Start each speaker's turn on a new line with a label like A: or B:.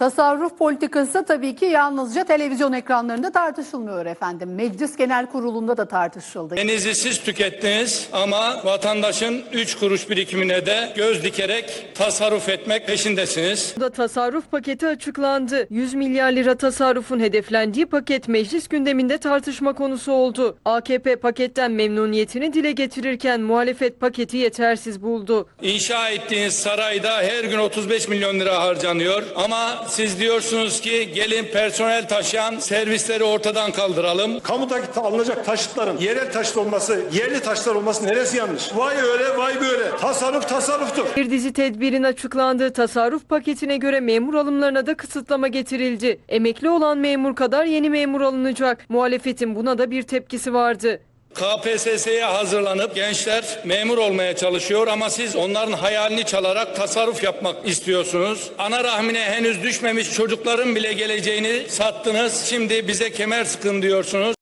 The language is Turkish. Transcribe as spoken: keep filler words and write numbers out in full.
A: Tasarruf politikası tabii ki yalnızca televizyon ekranlarında tartışılmıyor efendim. Meclis Genel Kurulu'nda da tartışıldı.
B: Denizi siz tükettiniz ama vatandaşın üç kuruş birikimine de göz dikerek tasarruf etmek peşindesiniz.
C: Da tasarruf paketi açıklandı. yüz milyar lira tasarrufun hedeflendiği paket meclis gündeminde tartışma konusu oldu. A K P paketten memnuniyetini dile getirirken muhalefet paketi yetersiz buldu.
B: İnşa ettiğiniz sarayda her gün otuz beş milyon lira harcanıyor ama siz diyorsunuz ki gelin personel taşıyan servisleri ortadan kaldıralım.
D: Kamudaki alınacak taşıtların yerel taşıt olması, yerli taşlar olması neresi yanlış? Vay öyle, vay böyle. Tasarruf tasarruftur.
C: Bir dizi tedbirin açıklandığı tasarruf paketine göre memur alımlarına da kısıtlama getirildi. Emekli olan memur kadar yeni memur alınacak. Muhalefetin buna da bir tepkisi vardı.
B: K P S S'ye hazırlanıp gençler memur olmaya çalışıyor ama siz onların hayalini çalarak tasarruf yapmak istiyorsunuz. Ana rahmine henüz düşmemiş çocukların bile geleceğini sattınız. Şimdi bize kemer sıkın diyorsunuz.